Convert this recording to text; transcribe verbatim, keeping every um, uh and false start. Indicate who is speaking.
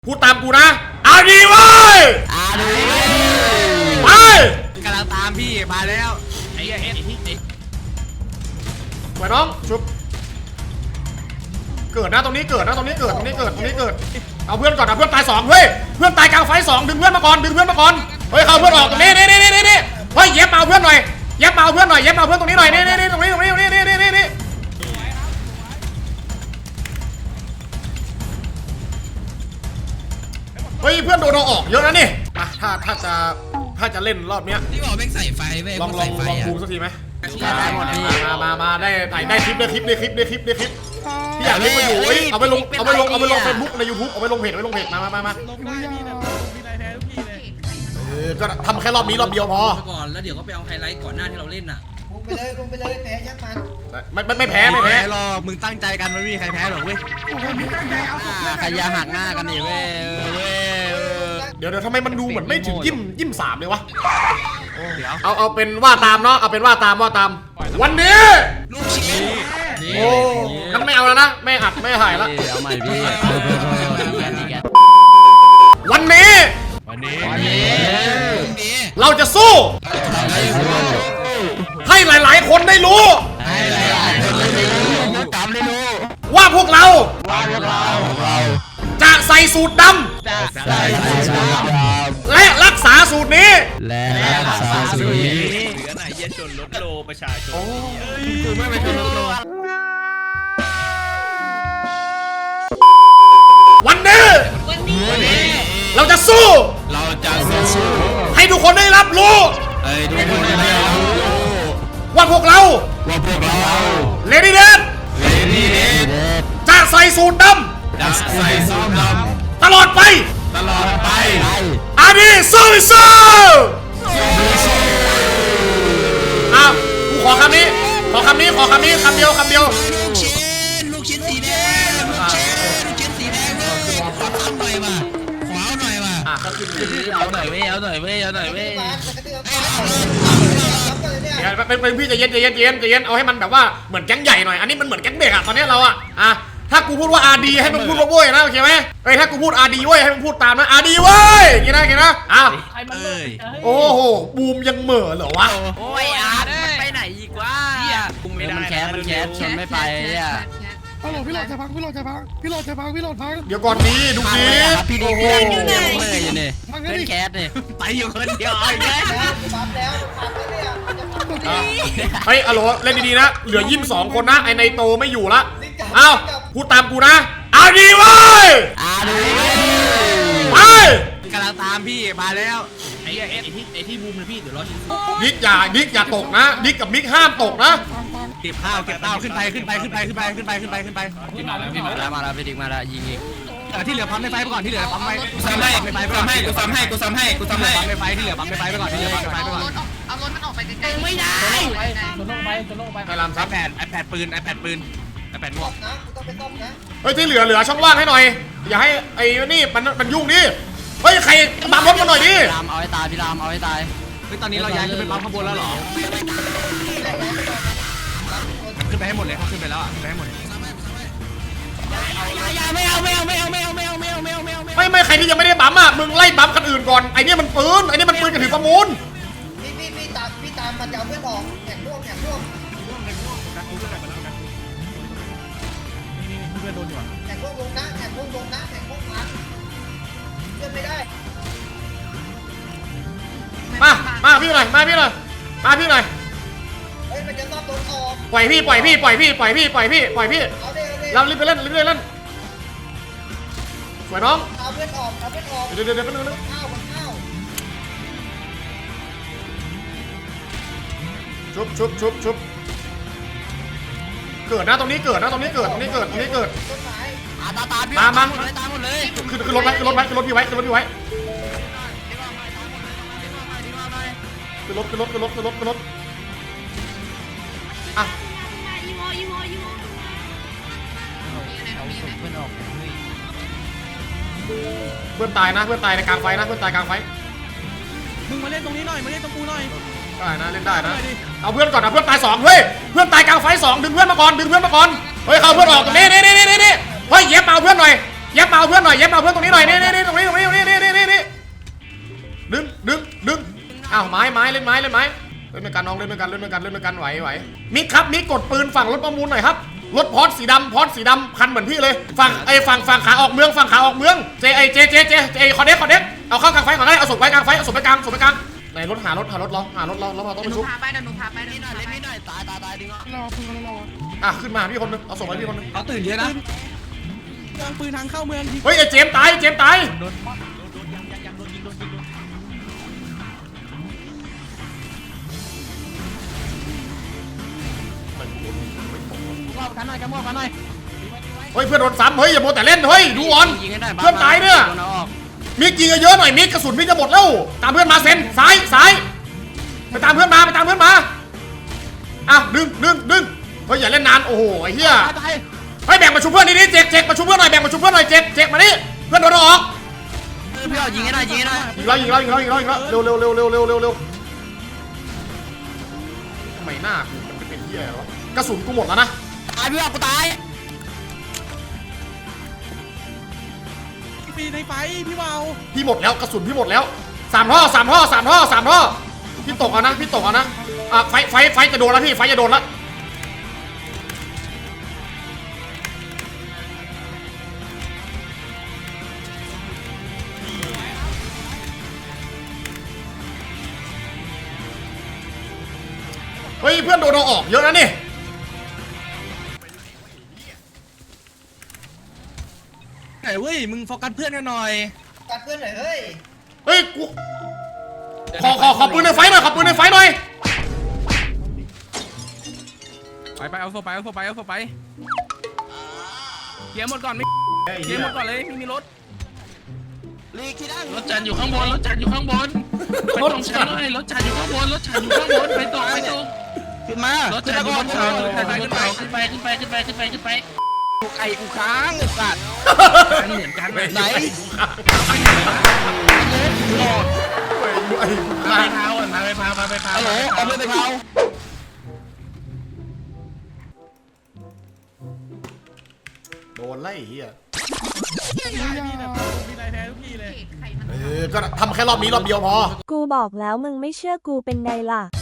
Speaker 1: พูดตามกูนะเอาดีเว้ยเอาดีไป
Speaker 2: กำลังตามพี่มาแล้วไอ้เอส
Speaker 1: ไปน้องชุบเกิดนะตรงนี้เกิดนะตรงนี้เกิดตรงนี้เกิดตรงนี้เกิดเอาเพื่อนก่อนเอาเพื่อนตายสองเฮ้ยเพื่อนตายกลางไฟสองดึงเพื่อนมาก่อนดึงเพื่อนมาก่อนเฮ้ยเข้าเพื่อนออกตรงนี้นี่นี่นี่นี่เฮ้ยเย็บเอาเพื่อนหน่อยเย็บเอาเพื่อนหน่อยเย็บเอาเพื่อนตรงนี้หน่อยนี่นี่นี่ตรงนี้ตรงนี้นี่นี่นี่นี่เฮ้ยเพื่อนโดนเราออกเยอะนะนี่อ่ะถ้าถ้าจะถ้าจะเล่นรอบเนี้ย
Speaker 2: ที่บอกแม่งใส่ไฟเว้ย
Speaker 1: ลองลองลองบูมสักทีไหมมามามาได้ได้คลิปได้คลิปได้คลิปได้คลิปได้คลิปพี่อยากเล่นมาอยู่เอาไปลงเอาไปลงเอาไปลงเฟซบุ๊กในยูทูบเอาไปลงเพจเอาไปลงเพจมามามามา
Speaker 3: ลงได้พี่นะมีอะไรแท้ทุกทีเลย
Speaker 1: เออก็ทำแค่รอบนี้รอบเดียวพอ
Speaker 2: ก่อนแล้วเดี๋ยวก็ไปเอาไฮไลท์ก่อนหน้าที่เราเล่นน่ะ
Speaker 4: ลงไปเลยลงไปเลยแพ้ยักมัน
Speaker 1: ไม่ไม่ไม่แพ้ไม่แพ้
Speaker 2: หรอกมึงตั้งใจกันไม่มีใครแพ้หรอกเว้ยใครยาหักหน้ากันนี่เว้ยเว้ย
Speaker 1: เดี๋ยวเดี๋ยวทำไมมันดูเหมือนไม่ถึงยิ้มยิ้มสามเลยวะเอาเอาเป็นว่าตามเนาะเอาเป็นว่าตามว่าตามวันนี้
Speaker 2: ลูกชิ้น
Speaker 1: โอ้งั้นไม่เอาแล้วนะไม่อัดไม่ถ่ายแล้ว
Speaker 2: เอาใหม่พี่
Speaker 1: วันนี้
Speaker 2: วันนี้
Speaker 1: เราจะสู้ให้หลายๆคนได้รู้ว่าพวกเราจะใส่สูตรดำและรักษาสูตรนี้
Speaker 2: และรักษาสูตรนี้เหลือไหนเย็นจนลดโลประชาชนกูไม่ไปชนลดโล
Speaker 1: วันนี้เราจะสู้
Speaker 2: เราจะสู้
Speaker 1: ให้ทุกคนได้รับรู้
Speaker 2: ให้ทุกคนได้รับรู้
Speaker 1: ว่าพวกเรา
Speaker 2: ว่าพวกเรา
Speaker 1: เลดี้เดด
Speaker 2: เลดี้เดด
Speaker 1: จะใส่สูตรดำ
Speaker 2: จะใส่สูตรดำ
Speaker 1: ตลอดไป
Speaker 2: ตลอดไป
Speaker 1: อาดีสู้สู้อ้าวกูขอคำนี้ขอคำนี้ขอคำนี้คำเดียวคำเดียว
Speaker 2: ลูกชิ้นลูกชิ้นสีแดงลูกชิ้นลูกชิ้นสีแดงเว้ยขอทำหน่อยมาขอเอาหน่อยมาเอาหน่อยเว้ยเอาหน่อยเว้ยเอาหน่อยเว้ย
Speaker 1: เป็นเป็นพี่ใจเย็นใจเย็นใจเย็นใจเย็นเอาให้มันแบบว่าเหมือนแก๊งใหญ่หน่อยอันนี้มันเหมือนแก๊งเด็กอะตอนนี้เราอะอ่ะถ้ากูพูดว่าอาดีให้มันพูดว่าโว้ยนะโอเคไหมเอ้ยถ้ากูพูดอาดีเว้ยให้มันพูดตามนะอาดีเว้ยอย่างนี้นะอย่างนี้นะอ้าวโอ้โหบูมยังเหม่อเหรอวะ
Speaker 2: โอ้ยอาร์ตมันไปไหนอีกวะมันแคสมันแคสชนไม่ไปอ่ะ
Speaker 3: ฮัลโหลพี่หลอดจะพังพี่หลอดจะพังพี่หลอดจะพังพี่หลอดพัง
Speaker 1: เดี๋ยวก่อนนี้ดูดิ
Speaker 2: พี่โอ้โหอยู่ไหนอยู่นี่เล่นแคสเนี่ยไปอยู่คนเดียวไอ้แม่
Speaker 4: ปั๊บแล้วปั๊บแล้วเนี่ย
Speaker 1: เฮ้ยอะโหลเล่นดีๆนะเหลือยิ้มสองคนนะไอในโตไม่อยู่ละเอ้าพูดตามกูนะเอาดีเว้ย
Speaker 2: เอาดี
Speaker 1: ไป
Speaker 2: กำลังตามพี่มาแล้วไอ้เอสไอ้ที่บูมนะพี่เดี๋ยวรอชิม
Speaker 1: ดิ๊กอย่าดิ๊กอย่าตกนะดิ๊กกับมิกห้ามตกนะ
Speaker 2: เก็บข้าวเก็บข้าวขึ้นไปขึ้นไปขึ้นไปขึ้นไปขึ้นไปขึ้นไปขึ้นไปขึ้นมาแล้วพี่มาแล้วมาแล้วพี่ดิ๊กมาแล้วยิงอีกที่เหลือปั๊มในไฟไปก่อนที่เหลือปั๊มไฟกูซ้ำให้กูซ้ำให้กูซ้ำให้กูซ้ำให้กูซ้ำให้ปั๊มในไฟที่เหลือปั๊มในไฟไปก่อนที่เหลือปั๊มในไฟไปก่อน
Speaker 5: เอารถมันออกไปไกลๆ
Speaker 2: ไม่ได้
Speaker 3: จนลงไปจนลงไป
Speaker 1: ไอ้ลำซับ
Speaker 2: แปดไอแปดปืนไอแปดปืนไอแปดหมวก
Speaker 4: นะกูต้องไปต้มนะ
Speaker 1: เฮ้ยที่เหลือเหลือช่องว่างให้หน่อยอย่าให้ไอ้นี่มันมันยุ่งดิเฮ้ยใครบังรถมาหน่อยดิ
Speaker 2: รามเอาให้ตายพี่รามเอาให้ตายเฮ้ยตอนนี้เราย้ายขึ้นไปปั๊มข้างบนแล้วเหรอขึ้นไปให้หมดเลยเขาขึ้นไปแล้วอ่ะขึ้นไปให้หมดไม่เอาไม่เอาไม่เอาไม่เอาไม่เอาไม่เอาไม่เอาไม่เอา
Speaker 1: ไม่ไม่ใครที่ยังไม่ได้บัมอ่ะมึงไล่บัมคนอื่นก่อนไอ้นี่มันปืนไอ้นี่มันปืนกระถือประมูล
Speaker 4: พี่พี่พี่ตามพี่ตามมันจะเอาเพื่อนออกแข่งร่วมแข่งร่วม
Speaker 3: เพื่อนโดนอยู่อ่ะ
Speaker 4: แข่งร่วมลงนะแข่งร่วมลงนะแข่งร่วมพันเพื่อนไม่ได้
Speaker 1: มามาพี่หน่อยมาพี่หน่อยมาพี่หน่อย
Speaker 4: เฮ้ยมันจะรอบโดนออก
Speaker 1: ปล่อยพี่ปล่อยพี่ปล่อยพี่ปล่อยพี่ปล่อยพี่ปล่อยพี่
Speaker 4: เอาดิเอาดิ
Speaker 1: เรารีบไปเล่นรีบไปเล่นสวยน้อง
Speaker 4: เอาเพื่อนออกเอาเพื่อนออก
Speaker 1: เดี๋ยวเดี๋ยวเดี๋ยวเดี๋ยว
Speaker 4: ข้าวข้าว
Speaker 1: ชุบชุบชุบชุบเกิดนะตรงนี้เกิดนะตรงนี้เกิดตรงนี้เกิดตรงนี้เกิด
Speaker 4: ต้นไม้
Speaker 2: ตาตาพี่
Speaker 1: มามา
Speaker 2: ตามหมดเลย
Speaker 1: คือคือรถไว้คือรถไว้คือรถพี่ไว้คือรถพี่ไว้คือรถคือรถคือรถคือรถคือรถอ่ะเพื่อนตายนะเพื่อนตายในกลางไฟนะเพื่อนตายกลางไฟ
Speaker 3: มึงมาเล่นตรงนี้หน่อยมาเล่นตรงกูหน่อย
Speaker 1: ได้นะเล่นได้นะเอาเพื่อนก่อนเอาเพื่อนตายสองเฮ้ยเพื่อนตายกลางไฟสองดึงเพื่อนมาก่อนดึงเพื่อนมาก่อนเฮ้ยเข้าเพื่อนออกตรงนี้นี่นี่นี่นี่เฮ้ยเย็บเอาเพื่อนหน่อยเย็บมาเอาเพื่อนหน่อยเย็บมาเอาเพื่อนตรงนี้หน่อยนี่นี่นี่ตรงนี้ตรงนี้ตรงนี้นี่นี่นี่นี่ดึงดึงดึงอ้าวไม้ไม้เล่นไม้เล่นไม้เล่นด้วยกันน้องเล่นด้วยกันเล่นด้วยกันเล่นด้วยกันไหวไหวมิกครับมิกกดปืนฝั่งรถประมูลหน่อยครับรถพอร์ตสีดำพอร์ตสีดำคันเหมือนพี่เลยฝั่งไอ้ฝั่งฝั่งขาออกเมืองฝั่งขาออกเมืองเจไอเจเจเจเจคอนเด็กคอนเด็กเอาเข้ากลางไฟก่อนได้เอาศพไว้กลางไฟเอาศพไปกลางศพไปกลางในรถหารถหารถเราหารถเราแล้วเราต้องไปชุบ
Speaker 5: พาไปเดี๋ยวหนูพาไปเดี๋ยวหนู
Speaker 2: หน่อย
Speaker 5: พา
Speaker 2: เล่น
Speaker 5: ไป
Speaker 2: นิดหน่อยตายตายตายดิง
Speaker 3: รอปืนรอ
Speaker 1: อ่ะขึ้นมาพี่คนนึงเอาศพไว้พี่คนนึง
Speaker 2: เขาตื่นเยอะนะ
Speaker 3: วางปืนทางเข้าเมืองที
Speaker 1: เฮ้ยไอ้เจมส์ตายเจมส์ตาย
Speaker 3: รอบกันหน่อยกันมอบกันหน่อย
Speaker 1: เฮ้ยเพื่อนโดนซ้ำเฮ้ยอย่าโมวแต่เล่นเฮ้ยดูออน
Speaker 2: ยิงให้ได้
Speaker 1: เพื่อนตายเนี่ยมิกยิงเยอะๆหน่อยมิกกระสุนมิกจะหมดแล้วตามเพื่อนมาเซนซ้ายซ้ายไปตามเพื่อนมาไปตามเพื่อนมาอ่ะดึงดึงดึงเฮ้ยอย่าเล่นนานโอ้โหไอ้เหี้ยเฮ้ยแบ่งมาชุบเพื่อนนี่นี่เจ๊กเจ๊กมาชุบเพื่อนหน่อยแบ่งมาชุบเพื่อนหน่อยเจ๊กเจ๊กมานี่เพื่อนโดนออก
Speaker 2: พี่เอายิงให้ได้ยิงให้ได้
Speaker 1: ยิงแล้วยิงแล้วยิงแล้วยิงแล้วยิงแล้วเร็วเร็วเร็วเร็วเร็วเร็วเร็วทำไมหน้ากูมันเป็นเหี้ยอะไรวะกระสุนกูหมดแล้วนะ
Speaker 2: ตายพี่เอากูตาย
Speaker 3: ปีในไฟพี่เบา
Speaker 1: พี่หมดแล้วกระสุนพี่หมดแล้วสามท่อสามท่อสามท่อสามท่อพี่ตกเอานะพี่ตกเอานะอ่ะไฟไฟไฟจะโดนแล้วพี่ไฟจะโดนแล้วเฮ้ยเพื่อนโดนเราออกเยอะนะนี่
Speaker 2: ไหนเว้ยมึงโฟกัสเพื่อนกันหน่อย
Speaker 4: กัดเพื่อนหน่อยเฮ้ย
Speaker 1: เฮ้ยกูขอขอขอปืนในไฟหน่อยขอปืนในไฟหน่อย
Speaker 3: ไปไปเอาโฟไปเอาโฟไปเอาโฟไปเกียร์หมดก่อนไม่เกียร์หมดก่อนเลยไม่มีรถ
Speaker 2: ลีกที่นั่ง
Speaker 6: รถจันอยู่ข้างบนรถจันอยู่ข้างบนไปตรงชั้นเลยรถจันอยู่ข้างบนรถจันอยู่ข้างบนไปตรงไปตรง
Speaker 2: ขึ้นมาร
Speaker 6: ถจันอยู่บนเขารถจันอยู่บนเขาขึ้นไปขึ้นไปขึ้นไปขึ้นไปขึ้นไป
Speaker 2: ไก่กูค้างไอ้สัตว์
Speaker 6: เหมือนกัน
Speaker 2: ไหน
Speaker 1: ไอ้กู
Speaker 6: มา
Speaker 1: ฆ่า
Speaker 6: ไปพาวก่อนมาไปพาวมาไปพาว
Speaker 2: ฮัลโหลเอาเพื่อนไปเผา
Speaker 1: โดนไล่เฮีย
Speaker 3: นี่นะมีนายแท้ทุกทีเลย
Speaker 5: ใครมัน
Speaker 1: เออก็ทำแค่รอบนี้รอบเดียวพอ
Speaker 7: กูบอกแล้วมึงไม่เชื่อกูเป็นไงล่ะ